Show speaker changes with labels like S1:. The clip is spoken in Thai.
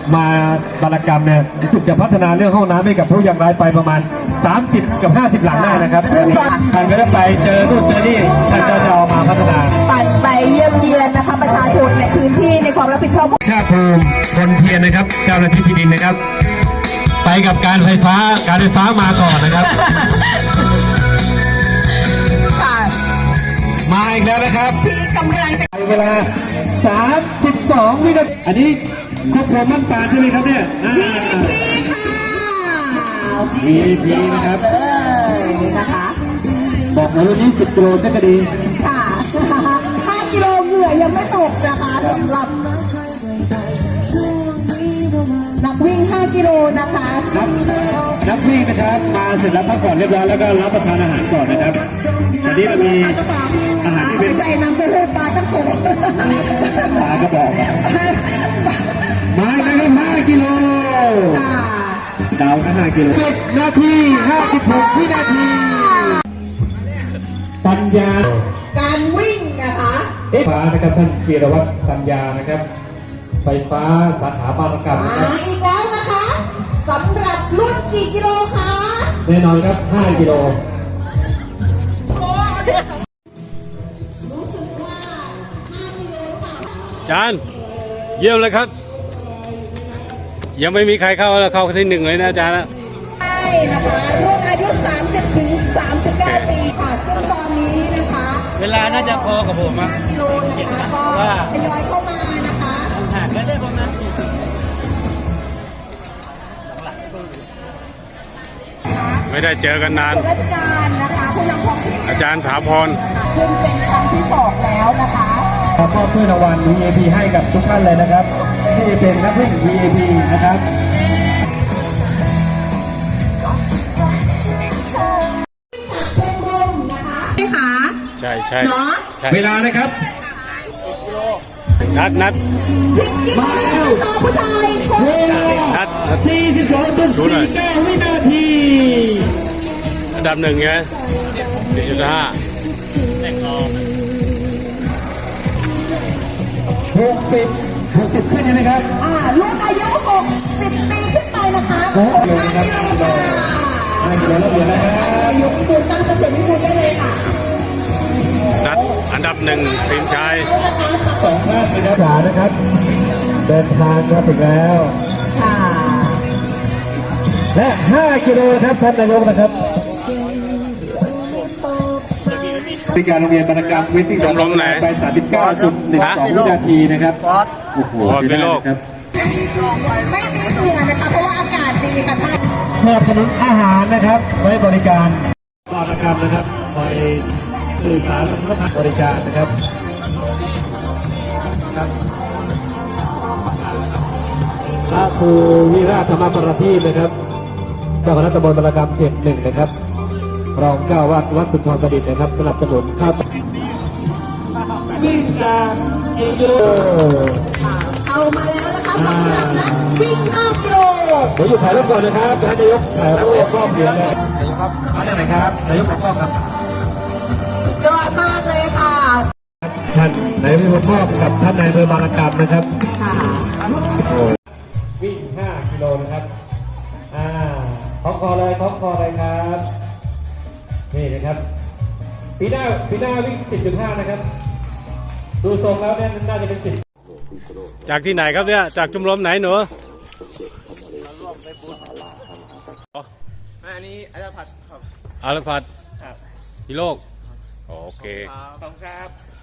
S1: มาบารกรรมเนี่ยรู้สึกจะพัฒนาเรื่องห้องน้ำให้กับผู้ยากไร้ไปประมาณ30 กับ 50 หลังได้นะครับท่านก็ได้ไปเจอนู่นเจอนี่ท่านก็จะเอามาพัฒนา
S2: ปั่นไปเยี่ยมเยียนนะคะประชาชนในพื้นที่ในความรับผิดชอบ
S1: ชาติภูมิคนเทียนนะครับเจ้าหน้าที่ที่ดินนะครับไปกับการไฟฟ้ามาก่อนนะครับมาอีกแล้วนะครับ
S2: ที่กำลังจะ
S1: เวลา32 วินาทีอันนี้ครอบครัวมั่นปานใช่ไหมครับเนี่ยVIP นะครับ
S2: นะคะ
S1: บอกเลยวันนี้10 กิโลก็ดี
S2: ค่ะ5 กิโลเหงื่อยังไม่ตกนะคะสำหรับนักวิ่ง5 กิโลนะคะ
S1: นักวิ่งนะครับมาเสร็จแล้วพักผ่อนเรียบร้อยแล้วก็รับประทานอาหารก่อนนะครับอันนี้เรามีอาหารที่เป็น
S2: ใจน้ำเต้าหู้ปลาตั้งโก
S1: ปลากระบอกมาแล้วครับ5 กิโลดาวนะ5 กิโล10 นาที 56 วินาทีปัญญา
S2: การวิ่งนะคะ
S1: ไฟฟ้านะครับท่านธีรวัฒน์ปัญญานะครับไฟฟ้าสาขาบางกะ
S2: มาอีกแล้วนะคะสำหรับรุ่นกี่กิโลคะ
S1: แน่นอนครับ5 กิโล
S3: จานเยี่ยมเลยครับยังไม่มีใครเข้าที่1เลยนะอาจารย์นะ
S2: ใช่นะคะรุ่นอายุ30 ถึง 39 ปีค่ะซึ่งตอนนี้นะคะ
S3: เวลาน่าจะพอกับผมอ่ะ
S2: กิโลนะคะก็ทยอยเข้ามานะคะ
S3: ไม่ได้ประมาณไม่ได้เจอกันนาน
S2: ราชการนะคะผู้นำท้องถิ่น
S3: อาจารย์ถาพร
S2: ขึ้นเป็นครั้งที่2แล้วนะคะ
S1: ขอมอบถ้วยรางวัล VIP ให้กับทุกท่านเลยนะครับที่เป็นนักวิ่ง VIP นะครับ
S3: ใช่
S1: เวลานะครับ
S3: นัด
S1: มาแล้วเวลา42.49 วินาที
S3: อันดับ1ไง4.5
S1: 60ขึ้นใช่ไหมครับ
S2: รุ่นอายุ60 ปีขึ้นไปนะคะ5 กิโลค่ะ
S1: 5 กิโลแล้วเดี๋ยวนะครับ
S2: ยกตัวตั้งเกษตรวิบูลย์ได้เลยค่ะ
S3: นัดอันดับ1ทีมชาย
S1: 2 ท่านนะครับเดินทางมาถึงแล้วและ5 กิโลครับท่านนายกนะครับเป็นการโรงเรียนบรรณกรรมวิทย์
S3: ลมไหน
S1: ไป 39.12 วินาทีนะครับโอ้โห
S3: เป็นโลก
S2: ไม่มีเสือนะคะเพราะว่าอากาศดีค่ะท่าน
S1: สนับสนุนอาหารนะครับไว้บริการบรรณกรรมนะครับคอยสื่อสารและบริการนะครับพระครูวิราชธรรมประทีปนะครับเจ้าคณะตำบลบรรณกรรมเขต 1นะครับรองเจ้าวัดสุนทรประดิษฐ์นะครับสนับสนุนครับวิ่งจากกิโล
S2: เอามาแล้วนะคะสำหรับนักวิ่ง5 กิโล
S1: เดี๋ยวอยู่ถ่ายรูปก่อนนะครับท่านนายกถ่ายรูปรอบเดียวเลยครับมาได้ไหมครับนายกขอบครับ
S2: ยอดมากเลยค่ะ
S1: ท่านนายกขอบกับท่านนายอำเภอบางระกำนะครับวิ่ง5 กิโลนะครับของคอเลยครับนี่นะครับปีหน้าวิ่ง 10.5 นะครับดูทรงแล้วเนี่ยน่าจะเป็น10
S3: จากที่ไหนครับเนี่ยจากชมรมไหนหนู
S4: อันนี้อาจารย์ผัดครับ
S3: อารพัด
S4: ครับ
S3: พิโลกโอเค
S4: ขอบคุณครับ